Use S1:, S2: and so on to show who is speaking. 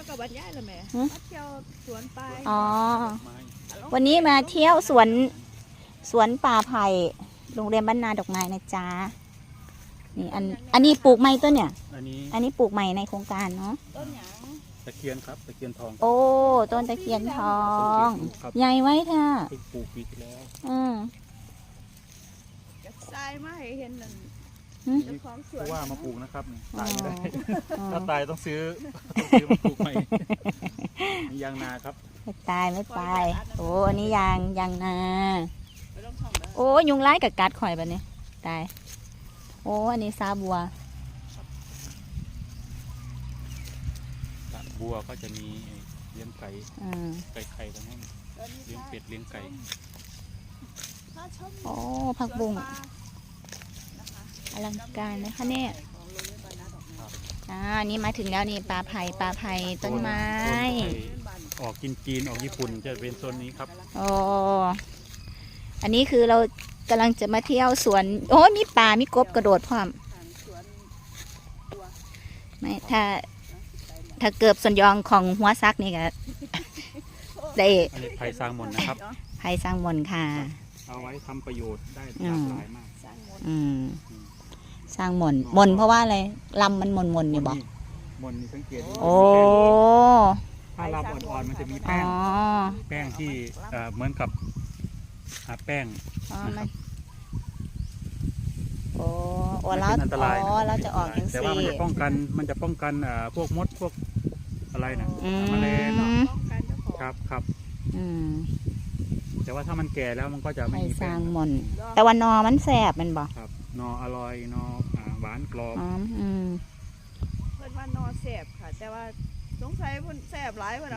S1: กับบรรยายเลยแม่มาเที่ยวสวนไป
S2: อ๋อวันนี้มาเที่ยวสวนป่าไผ่โรงเรียนบ้านนาดอกไม้นะจ๊ะนี่อันนี้ปลูกไม้ต้นเนี่ยอันนี้ปลูกใหม่ในโครงการเนาะ
S1: ต้นหยัง
S3: ตะเคียนครับตะเคียนทอง
S2: โอ้ต้นตะเคียนทองใหญ่ไว้เถอะ
S3: ปลูกปีที่แล้ว
S1: จะทรายมาให้เห็นนั่นเจ้าของสวน
S3: ว่ามาปลูกนะครับตายไม่ได้ถ้าตายต้องซื้อมาปลูกใหม่ยางนาครับ
S2: ไม่ตายไม่ตายโอ้อันนี้ยางนาโอ้ยุงไล่กับกัดข่อยแบบนี้ตายโอ้อันนี้ซาบัว
S3: บัวก็จะมีเลี้ยงไก่ไข่ตรงนั้นเลี้ยงเป็ดเลี้ยงไก่
S2: โอ้ผักบุ้งอลังการนะคะเนี่ยนี่มาถึงแล้วนี่ปลาไผ่ต้นไม้
S3: ออกจีนออกญี่ปุ่นจะเป็นโซนนี้ครับ
S2: โอ้อันนี้คือเรากำลังจะมาเที่ยวสวนโอ้มีปลามีกบกระโดดพร้อมไม่ถ้าเกือบส่วนยองของหัวซักนี่ก็ได้
S3: อันนี้ไผ่สร้างมนนะครับ
S2: ไผ่สร้างมนค่ะ
S3: เอาไว้ทำประโยชน์ได้หลากหลายมาก
S2: สร้างมนเพราะว่าอะไรลำมันมนเนี่ยบอก
S3: มนนี่สังเกต
S2: โอ้
S3: ถ้าลำอ่อนๆมันจะมีแป้งที่เหมือนกับแป้งนะครับ
S2: โอ้แล้ว
S3: อันตราย
S2: เราจะออกอย่าง
S3: แต่ว่ามันจะป้องกันพวกมดพวกอะไรนะแมลงครับแต่ว่าถ้ามันแก่แล้วมันก็จะไม่มี
S2: สร้างมนแต่ว่านอมันแสบมันบอก
S3: ครับนออร่อยนอหวานกรอบ
S1: เพื่อนว่านอแสบค่ะแต่ว่าสงสัยเพื่อนแสบหลายเพื่อน